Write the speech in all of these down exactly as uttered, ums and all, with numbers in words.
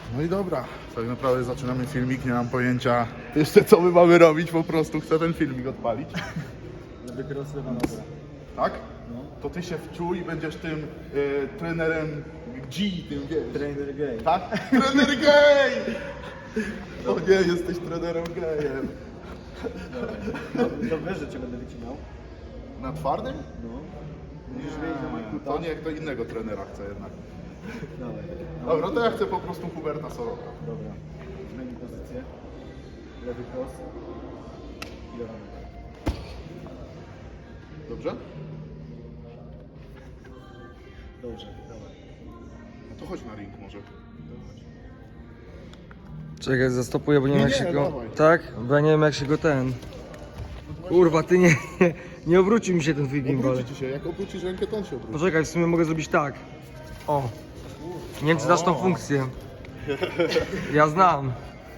No i dobra, tak naprawdę zaczynamy filmik, nie mam pojęcia jeszcze co my mamy robić, po prostu chcę ten filmik odpalić. Żeby rozrywanowę. Tak? No. To ty się wczuj i będziesz tym y, trenerem G, tym wiesz. Trainer gay. Tak? Trener gay! O nie, jesteś trenerem gejem. No, to wiesz, że cię będę wycinał. Na twardym? No. Musisz wyjść na Majkuta. To nie, kto innego trenera chce jednak. Dawaj. Dobra, to ja chcę po prostu Huberta Soroka. Dobra. Zmień pozycję. Lewy cross. I dawaj. Dobrze? Dobrze, dawaj. No to chodź na ring może. Czekaj, zastopuję, bo nie wiem Nie, jak się nie, go... dawaj. Tak? Bo ja nie wiem jak się go ten... Kurwa, ty nie... Nie, nie obrócił mi się ten twój gimbal. Obróci ci się, jak obrócisz rękę, to on się obróci. Poczekaj, w sumie mogę zrobić tak. O. Nie wiem czy znasz tą O. funkcję. Ja znam.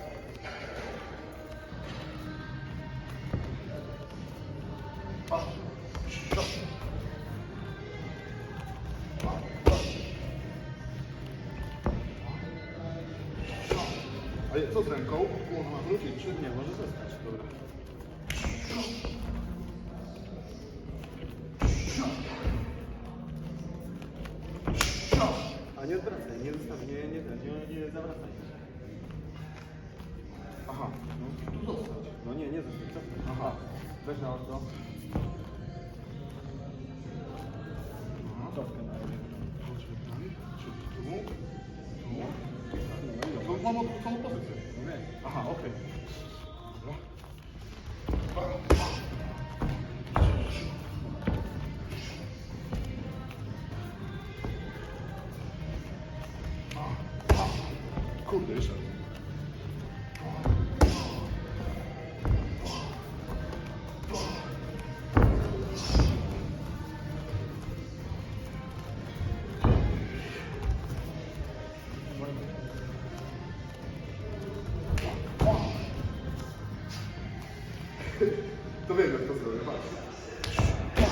A co z ręką? Ona ma wrócić, czy Nie, może zostać. Dobra. A nie odwracaj, nie zostaw, nie, nie, nie, nie, nie zawracaj. Aha, no tu zostać. No nie, nie zostaw, cofnij. Aha. Weź na ostro. Cofkę na razie. Czy tu? Tu? To mam odwróconą pozycję. No wiem. Aha, okej. Dobra. Kurde, jeszcze. To wiem, jak to zrobię, patrz.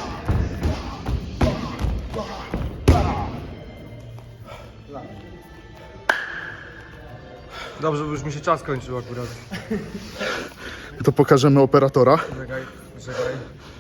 Dobrze, bo już mi się czas kończył akurat. To pokażemy operatora. Czekaj, czekaj.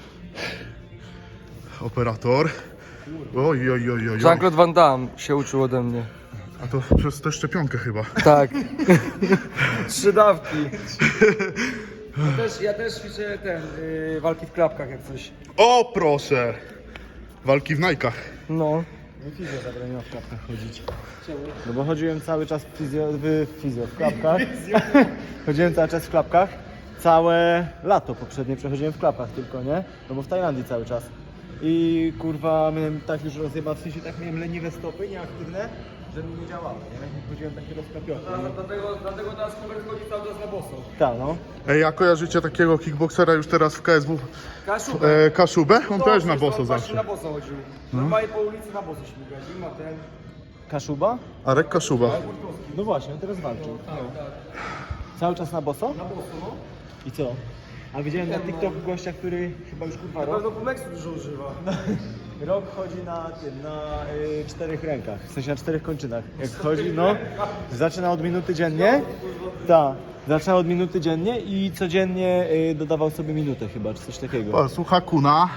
Operator. Oj, oj, oj, oj. Jean-Claude Van Damme się uczył ode mnie. A to przez tę szczepionkę chyba. Tak. Trzy dawki. Ja też, ja też ćwiczę ten, yy, walki w klapkach jak coś. O, proszę! Walki w najkach. No. Mi fizjo zabroniło w klapkach chodzić. No bo chodziłem cały czas w fizjo, w fizjo, w klapkach. Chodziłem cały czas w klapkach. Całe lato poprzednie przechodziłem w klapkach tylko, nie? No bo w Tajlandii cały czas. I kurwa, miałem tak już rozjebał, w sensie tak miałem leniwe stopy, nieaktywne, że mi nie działało, nie? I chodziłem taki rozkapiony. Dlatego, dlatego teraz Hubert chodzi cały czas na boso. Tak, no. Ej, a kojarzycie takiego kickboksera już teraz w K S W? Kaszubę. E, Kaszubę? On też na boso on właśnie zawsze. na boso chodził. Normalnie po ulicy na boso śmigać. I ma ten... Kaszuba? Arek Kaszuba. No właśnie, on teraz walczył. No. Cały czas na boso? Na boso, no. I co? A widziałem na TikToku gościa, który chyba już kurwa Na rok, pewno Pumeksu dużo używa. rok chodzi na tym, na y, czterech rękach, w sensie na czterech kończynach. Jak chodzi, no, zaczyna od minuty dziennie. Tak, zaczyna od minuty dziennie i codziennie y, dodawał sobie minutę chyba, czy coś takiego. O, słucha kuna.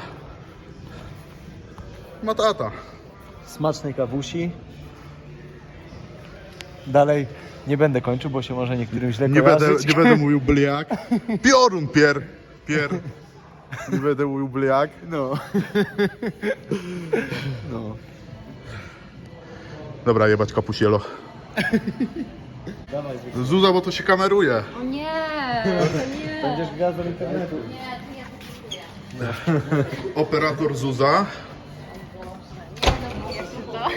Matata. Smacznej kawusi. Dalej nie będę kończył, bo się może niektórym źle Nie będę, kojarzyć. nie będę mówił bliak. Piorun pier. Pier. Nie będę mówił bliak. No. No. Dobra, jebać kapusielo. Dawaj, Zuza, bo to się kameruje. O nie, to nie. będziesz gwiazdą internetu. Nie, to ja to czuję. Operator Zuza. Nie, no jak to? Dobra.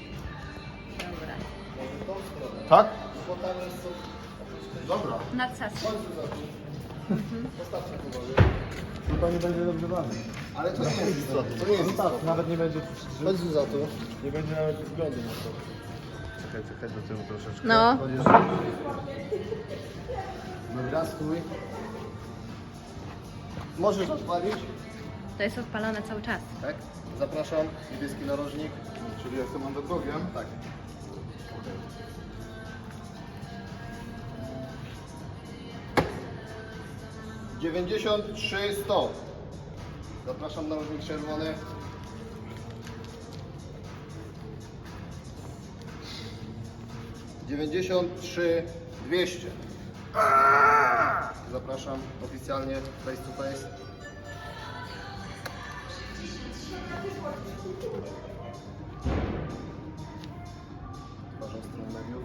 Tak? Dobra. Na casę. Chyba nie będzie dobrze bawił. Ale to nie jest za to, to nie jest za to. Nawet nie będzie, Chodź za to. nie będzie nawet względu na to. Czekaj, czekaj do tyłu troszeczkę. No. Dobra, stój. Możesz odpalić, To jest odpalone cały czas. tak? Zapraszam, niebieski narożnik. Czyli jestem underdogiem? Tak. dziewięćdziesiąt trzy sto. Zapraszam na różnik czerwony. dziewięćdziesiąt trzy dwieście. Zapraszam oficjalnie face to face. Uważam stronę mediów.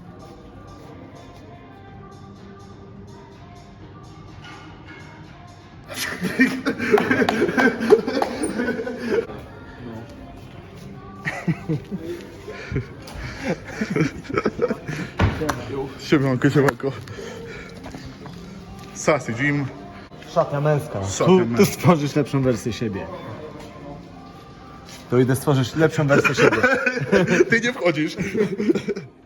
Siemanko, siemanko. Sassy Jim. Szatnia męska. Szatnia Tu, męska. tu stworzysz lepszą wersję siebie. Tu idę stworzyć lepszą wersję siebie. Ty nie wchodzisz.